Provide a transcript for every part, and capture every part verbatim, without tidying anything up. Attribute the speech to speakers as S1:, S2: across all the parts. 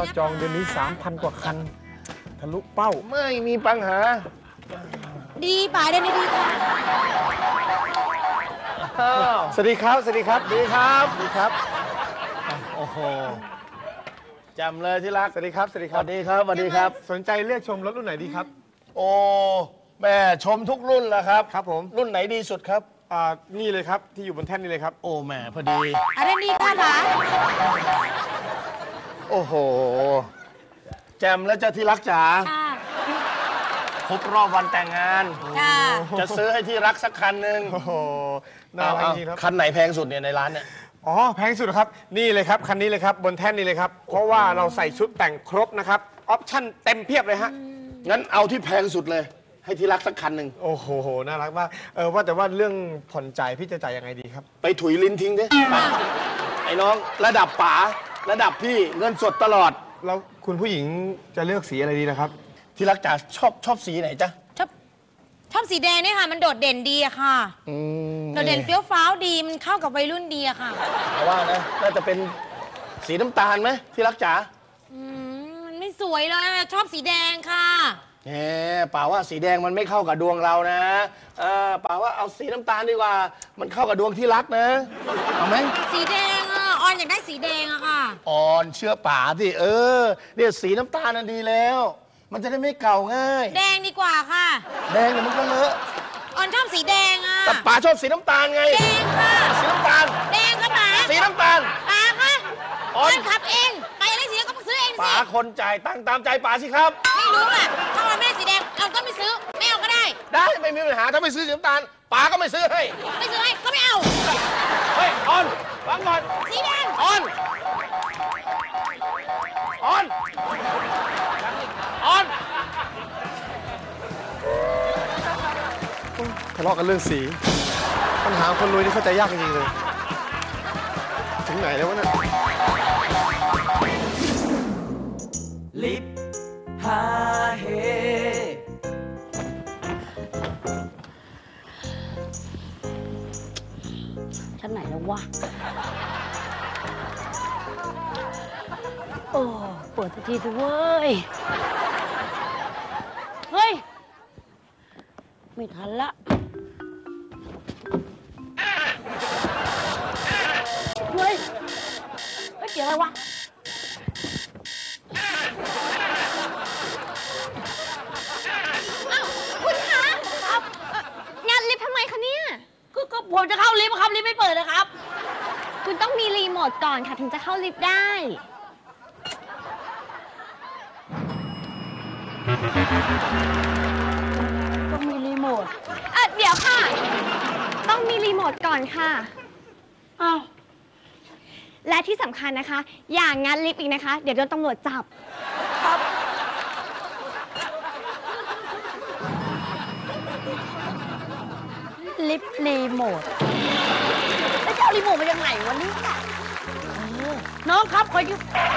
S1: อดจองเดือนนี้ สามพัน กว่าคันทะลุเป้า
S2: ไม่มีปัญหา
S3: ดีป่าเดือนนี้ดีค่ะ
S1: สวัสดีครับสวัสดีครับ
S2: ดีครับ
S1: ดีครับ
S2: โอ้โหจำเลยที่รัก
S1: สวัสดีครับสวัสดี
S2: ส
S1: ครับ
S2: วัสดีครับสวัสดีครับ
S1: สนใจเลือกชมรถรุ่นไหนดีครับ
S2: โอ้แม่ชมทุกรุ่นแล้วครับ
S1: ครับผม
S2: รุ่นไหนดีสุดครับ
S1: อ่านี่เลยครับที่อยู่บนแท่นนี่เลยครับ
S2: โอ้แม่พอดี
S3: อะไรดีค่ะป๋า
S2: โอ้โหแจมแล้วเจ้าที่รักจ๋าครบรอบวันแต่งงานจะซื้อให้ที่รักสักคันหนึ่ง
S1: โอ้โหน่ารักจริงครับ
S2: คันไหนแพงสุดเนี่ยในร้านเนี่ย
S1: อ๋อแพงสุดครับนี่เลยครับคันนี้เลยครับบนแท่นนี่เลยครับเพราะว่าเราใส่ชุดแต่งครบนะครับออปชั่นเต็มเพียบเลยฮะ
S2: งั้นเอาที่แพงสุดเลยให้ที่รักสักคันหนึ่ง
S1: โอ้โหน่ารักมากเออว่าแต่ว่าเรื่องผ่อนจ่ายพี่จะจ่ายยังไงดีครับ
S2: ไปถุยลิ้นทิ้งดิไอ้น้องระดับป๋าระดับพี่เงินสดตลอด
S1: แล้วคุณผู้หญิงจะเลือกสีอะไรดีนะครับ
S2: ที่รักจ๋าชอบชอบสีไหนจ๊ะ
S3: ชอบชอบสีแดงนี่ค่ะมันโดดเด่นดีอะค่ะโดดเด่นเฟี้ยวฟ้าวดีมันเข้ากับวัยรุ่นดีอะค่ะ
S2: แต่ว่านะน่าจะเป็นสีน้ำตาลไหมที่รักจ๋า
S3: อืมมันไม่สวยเลยชอบสีแดงค่ะ
S2: แหมป่าว่าสีแดงมันไม่เข้ากับดวงเรานะเออป่าว่าเอาสีน้ำตาลดีกว่ามันเข้ากับดวงที่รักนะเอาไหม
S3: สีแดงอะออนอยากได้สีแดงอะค่ะ
S2: อ่อนเชื่อป่าสิเออเนี่ยสีน้ำตาลนั่นดีแล้วมันจะได้ไม่เก่าง่าย
S3: แดงดีกว่าค่ะ
S2: แดงเนี่ยมันก็เลอะ
S3: ออนชอบสีแดงอะ
S2: แต่ป่าชอบสีน้ำตาลไง
S3: แดงค่ะ
S2: สีน้ำตาล
S3: แดงค่ะป๋า
S2: สีน้ำตาล
S3: ป๋าค่ะออนขับเองไปอะไรสีแดงก็มาซื้อเองสิ
S2: ป๋าคนจ่ายตังค์ตามใจป๋าสิครับ
S3: ไม่รู้อะถ้าเราไม่ได้สีแดงเราก็ไม่ซื้อไม่เอาก็ได้
S2: ได้ไม่มีปัญหาถ้าไม่ซื้อสีน้ำตาลป๋าก็ไม่ซื้อให้
S3: ไม่ซื้อให้ก็ไม่เอา
S2: เฮ้ยออนฟังก่อน
S3: สีแดง
S2: ออนออนออน
S1: ทะเลาะกันเรื่องสีปัญหาคนรวยนี่เข้าใจยากจริงๆเลยถึงไหนแล้ววะเนี่ย
S4: ลิปฮาเฮ
S5: ชั้นไหนแล้ววะโอ้เปิดสักทีสิเว้ยเฮ้ยไม่ทันละเฮ้ยเฮ้ยเสียงอะไรวะ
S6: อ้าวคุณคะครับงานลิฟต์ทำไมคะเนี่ย
S5: ก็ก็ผมจะเข้าลิฟต์ครับลิฟต์ไม่เปิดนะครับ
S6: คุณต้องมีรีโมทก่อนค่ะถึงจะเข้าลิฟต์ได้
S5: ต้องมีรีโมท
S6: เออเดี๋ยวค่ะต้องมีรีโมทก่อนค่ะ
S5: อ้าว
S6: และที่สำคัญนะคะอย่างงานลิฟต์อีกนะคะเดี๋ยวโดนตำรวจจับ
S5: ครับลิฟต์รีโมทแล้วจะเอารีโมทมาจากไหนวะเนี่ยน้องครับขอยุ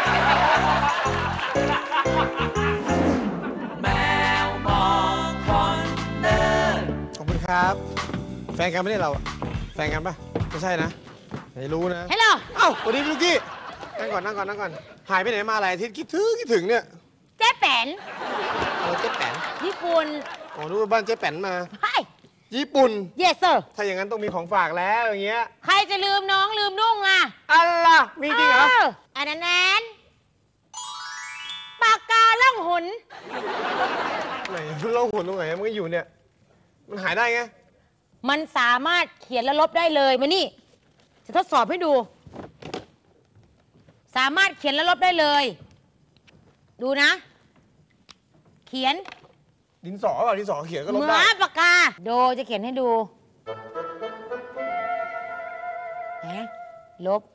S4: แมวมองคนเดิน
S1: ขอบคุณครับแฟนกันไม่ได้เราแฟนกันปะไม่ใช่นะไม่รู้นะ
S3: ฮัลโหล
S1: เอ้าสวัสดีลูกกี้นั่งก่อนนั่งก่อนนั่งก่อนหายไปไหนมาหลายอาทิตย์คิดถึงคิดถึงเนี่ย
S3: เจ๊แป๋น
S1: เออเจ๊แป๋น
S3: ญี่ปุ่น
S1: อ๋อรู้ว่าบ้านเจ๊แป๋นมา
S3: ใช่
S1: ญี่ปุ่น
S3: yes sir
S1: ถ้าอย่างนั้นต้องมีของฝากแล้วอย่างเงี้ย
S3: ใครจะลืมน้องลืมนุ่งอ่ะ
S1: อะไรมีจริงเหรอ
S3: อันนั้นปากกาล่องหุน
S1: ไหนล่องหุนตรงไหนมันก็อยู่เนี่ยมันหายได้ไง
S3: มันสามารถเขียนและลบได้เลยมานี่จะทดสอบให้ดูสามารถเขียนและลบได้เลยดูนะเขียน
S1: ดินสอเปล่าดินสอเขียนก็ลบได้
S3: เหมือนปากกาโดจะเขียนให้ดูนะลบ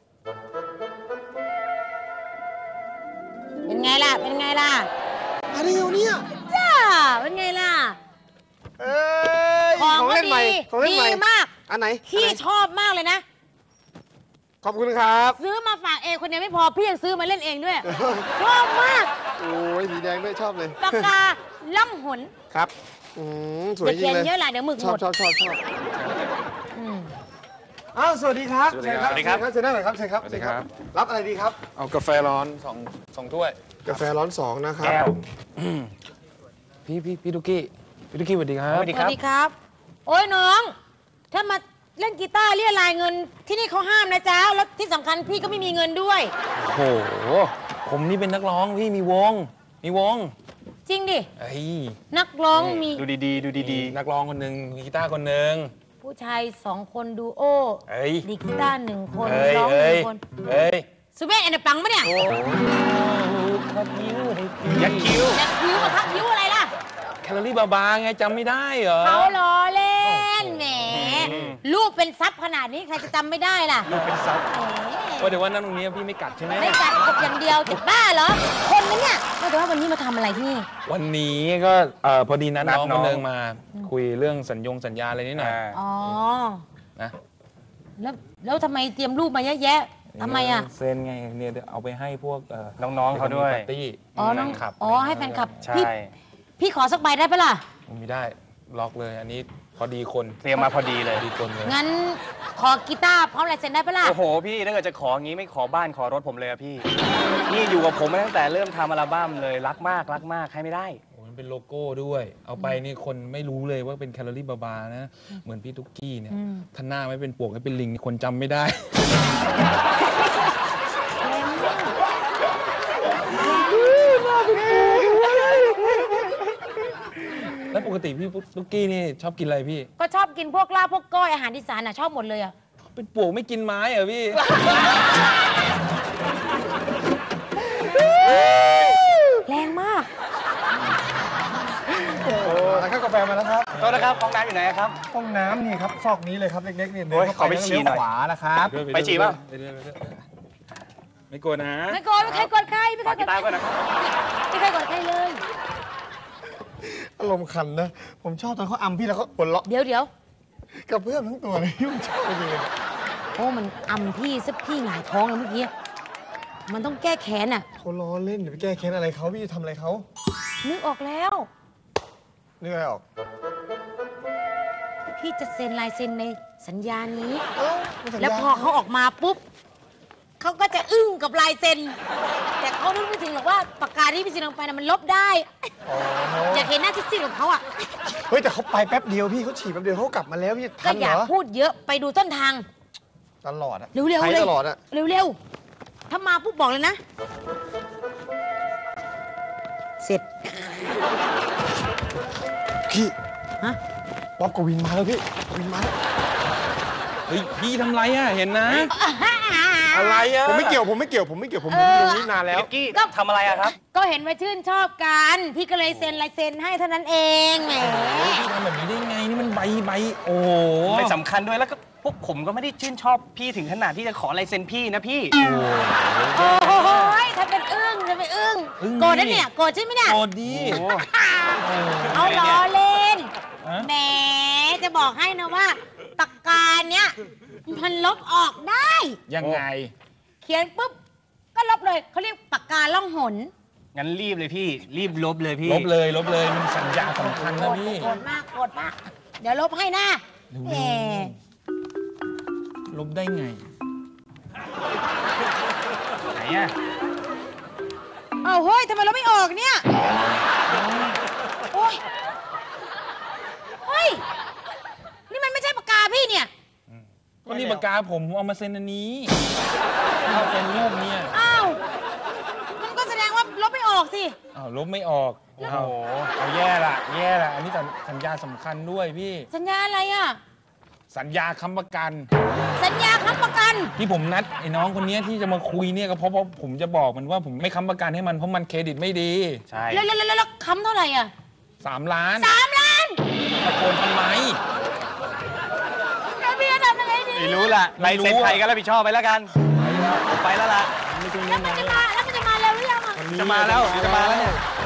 S3: เป็นไงล่ะเป็นไงล่ะ
S1: อะไรเนี่ย
S3: จ้าเป็นไงล่ะ
S1: เอ้ย
S3: ของเล่นใหม่
S1: ของเล่นใหม่
S3: ดีมาก
S1: อันไหน
S3: พี่ชอบมากเลยนะ
S1: ขอบคุณครับ
S3: ซื้อมาฝากเองคนเดียวไม่พอพี่ยังซื้อมาเล่นเองด้วยชอบมาก
S1: โอ้ยสีแดงด้วยชอบเลย
S3: ปากกาล่องหน
S1: ครับอืมสวยจริงเลย
S3: เขียนเยอะแหละเดี๋ยวหมึกหมด
S1: ชอบชอบชอบชอบอ้าวสวัสดีครับ
S7: สวัสดีครับ
S1: เชิญครับเชิญนั่งหน่อยครับเชิญครับ
S7: สวัสดีครับ
S1: รับอะไรดีครับ
S7: เอากาแฟร้อนสองสองถ้วย
S1: กาแฟร้อนสองนะครับ
S2: แก้ว
S7: พี่พี่พี่ดุกี้พี่ดุกี้สวัสดีครับ
S2: สวัสดี
S3: ส
S2: ค
S3: วั
S2: รับ
S3: สดีครับ โอ้ยน้อง ถ้ามาเล่นกีตาร์เรียรายเงินที่นี่เขาห้ามนะจ๊ะ แล้วที่สำคัญพี่ก็ไม่มีเงินด้วย
S7: โอ้โห ผมนี่เป็นนักร้องพี่มีวง มีวง
S3: จริงดิ
S7: ไอ้ย
S3: นักร้องมี
S2: ดูดีๆ ดูดี
S7: นักร้องคนหนึ่งมีกีตาร์คนหนึ่ง
S3: ผู้ชายสองคนดูโอ
S7: เอ้ย
S3: ดีดกีตาร์หนึ่งคน
S7: เอ้ย
S3: ร้องห
S7: เอ้
S3: นึ่
S7: ย
S3: งคน
S7: เอ้ย
S3: ซูเปอร์แอนด์ปังปะเนี่ย
S7: คัดยิ้วให้พี่
S2: ๆยักษ์คิ้ว
S3: จะคิ้วมาทักคิ้วอะไรล่ะ
S7: แคลอรี่บาๆไงจำไม่ได้เหรอ
S3: เขาล้อเล่นแหมลูกเป็นซับขนาดนี้ใครจะจำไม่ได้ล่ะ
S7: ลูกเป็นซับ
S3: แหม
S7: ว่าเดี๋ยววันนั้นตรงนี้พี่ไม่กัดใช่ไหม
S3: ไม่กัดกบอย่างเดียวจะบ้าเหรอ คนนั้นเนี่ยว่าแต่ว่าวันนี้มาทำอะไรที่นี่
S7: วันนี้ก็เอ่อพอดีนัด
S2: นัด
S7: น้อง
S2: น้
S7: ค
S2: อง
S7: นหนึงมาคุยเรื่องสัญญงสัญญาอะไรนิดหน่อย
S3: อ๋อ
S7: นะ
S3: แล้วแล้วทำไมเตรียมรูปมาเยอะแยะทำไมอ่ะ
S7: เซ็นไงเนี่ยเดี๋ยวเอาไปให้พวกเอ่อ
S2: น้องๆเขาด้วย
S7: ปาร์ตี้
S3: อ๋อน้อง
S7: แฟคลับ
S3: อ๋อให้แฟนคลับ
S2: ใช่
S3: พี่พี่ขอสักใบได้ปะล่ะ
S7: ไม่ได้ล็อกเลยอันนี้พอดีคน
S2: เตรียมมาพอดีเลย
S7: พอดีคนเลย
S3: งั้นขอกีตาร์พร้อมลายเซ็นได้ปะล่ะ
S2: โอ้โห พี่ถ้าเกิดจะขออย่างนี้ไม่ขอบ้านขอรถผมเลยอะพี่ นี่อยู่กับผมมาตั้งแต่เริ่มทำอัลบั้มเลยรักมากรักมากให้ไม่ได้
S7: โอ้มันเป็นโลโก้ด้วย เอาไปนี่คนไม่รู้เลยว่าเป็นแคลอรี่บาๆนะ เหมือนพี่ตุ๊กกี้เนี่ยถ้าหน้าไม่เป็นปวกไม่เป็นลิงนี่คนจำไม่ได้ แล้วปกติพี่ตุ๊กกี้นี่ชอบกินอะไรพี่
S3: ก็ชอบกินพวกลาบพวกก้อยอาหารอีสานอ่ะชอบหมดเลยอ่ะ
S7: เป็นปวกไม่กินไม้เหรอพี่
S3: แรงมาก
S1: โอ้แล้วก็กาแฟมาแล้วครับ
S2: โทษนะครับห้องน้ำอยู่ไหนครับ
S1: ห้องน้ำนี่ครับซอกนี้เลยครับเล็กๆเนี่ย
S2: โอ้ย
S1: เดิน
S2: ขอไป
S1: เข้า
S2: ฉี่
S1: แล้ว
S2: หน่อย
S1: เลี้ยวขวานะครับ
S2: ไปฉี่ป่ะ
S7: ไปด้วยไปด้วยไม่กลัวนะ
S3: ไม่โกรธไม่เคยโกรธใครไม่เค
S2: ฝาก
S3: ยโกร
S2: กี
S3: ธ
S2: ตาร์ก่อนนะครับ
S3: ไม่เคยโกรธใครเลย
S1: อารมณ์ขันนะ ผมชอบตอนเขาอำพี่แล้วเขาหัวเราะ
S3: เดี๋ยวเดี๋ยว
S1: กับเพื่อนทั้งตัวเลยผมชอบจริงเลย
S3: โอ้มันอำพี่ซะพี่หงายท้องเลยเมื่อกี้มันต้องแก้แค้นอ่ะ
S1: เขาล้อเล่นเดี๋ยวไปแก้แค้นอะไรเขาพี่จะทำอะไรเขา
S3: นึกออกแล้ว
S1: นึกอะไรออก
S3: พี่จะเซ็นลายเซ็นในสัญญานี้
S1: เอ้าไม่สัญญา
S3: แล้วพอเขาออกมาปุ๊บเขาก็จะอึ้งกับลายเซ็น แต่เขานึกไม่ถึงหรอกว่าปากกาที่พี่เซ็นลงไปน่ะมันลบได้
S1: อ๋อ
S3: อยากเห็นหน้าซิดๆของเขาอ่ะ
S1: เฮ้ยแต่เขาไปแป๊บเดียวพี่เขาฉีดแป๊บเดียวเขากลับมาแล้วพี่
S3: ก็
S1: ทัน
S3: อ
S1: เหร
S3: ย่า
S1: อ
S3: พูดเยอะไปดูต้นทาง
S1: ตลอดอะ
S3: เร็วๆ
S1: ไป
S3: เลย
S1: ตลอดอะ
S3: เร็วๆ ถ้ามาปุ๊บบอกเลยนะ เสร็จ
S1: พี่
S3: ฮะ
S1: ป๊อปกวินมาแล้วพี่กวินมาแล้ว
S7: เฮ้ยพี่ทำไรอ่ะเห็นนะ อะไรอ่ะ
S1: ผมไม่เกี่ยวผมไม่เกี่ยวผมไม่เกี่ยวผมอยู่ตรงนี้นานแล้ว
S2: พิกกี้ทำอะไรอะครับ
S3: ก็เห็นว่าชื่นชอบกัน พี่ก็เลยเซ็นลายเซ็นให้เท่านั้นเองแหม
S7: พี่ทำแบบนี้ได้ไงนี่มันใบใบโอ้โห
S2: ไม่สำคัญด้วยแล้วก็พวกผมก็ไม่ได้ชื่นชอบพี่ถึงขนาดที่จะขอลายเซ็นพี่นะพี่
S3: โอ้โหถ้าเป็นอึ้งถ้าเป็นอึ้งโกรธนะเนี่ยโกรธใช่ไหมเนี่ย
S7: โอ้ดี
S3: เอาล้อเล่น
S7: ฮะ
S3: แหมจะบอกให้นะว่าปากกาเนี้ยมันลบออกได้
S7: ยังไง
S3: เขียนปุ๊บก็ลบเลยเขาเรียกปากกาล่องหน
S2: งั้นรีบเลยพี่ รีบลบเลยพี่
S7: ลบเลยลบเลยมันสัญญาสำคัญนะพี่
S3: โกรธมากโกรธมาก เดี๋ยวลบให้นะแหม
S7: ลบได้ไง
S2: ไหนอะ
S3: เอาเฮ้ยทำไมเราไม่ออกเนี่ย โอ้ยเฮ้ย นี่มันไม่ใช่ปากกาพี่เนี่ย
S7: ก็นี่ปากกาผมเอามาเซ็นอันนี้เอาเป็นรูปเนี่ย
S3: อ้าว มันก็แสดงว่าลบไม่ออกสิ
S7: อ้าวลบไม่ออกโอ้โหเอาแย่ละแย่ละอันนี้สัญสัญญาสำคัญด้วยพี่
S3: สัญญาอะไรอ่ะ
S7: สัญญาค้ำประกัน
S3: สัญญาค้ำประกัน
S7: ที่ผมนัดไอ้น้องคนนี้ที่จะมาคุยเนี่ยก็เพราะว่าผมจะบอกมันว่าผมไม่ค้ำประกันให้มันเพราะมันเครดิตไม่ดี
S2: ใช่
S3: แล้วแล้วแล้วแล้วค้ำเท่าไหร่อ่ะ
S7: สามล้าน
S3: สามล้าน
S7: ตะโกนทำไม
S3: แล้วพี่จะทำยังไงดี
S2: ไม่รู้ล่ะ
S7: ไม่
S2: ลาย
S7: รู้
S2: เซ็น
S7: อะ
S2: ใครก็รับผิดชอบไปแล้วกันผมไปแล้วล่ะ
S3: แล้วมันจะมาแล้วมันจะมาเร็วหรือยังอ่ะ
S2: จะมาแล้วเดี๋ยวจะมาแล้วเนี่ย
S3: เ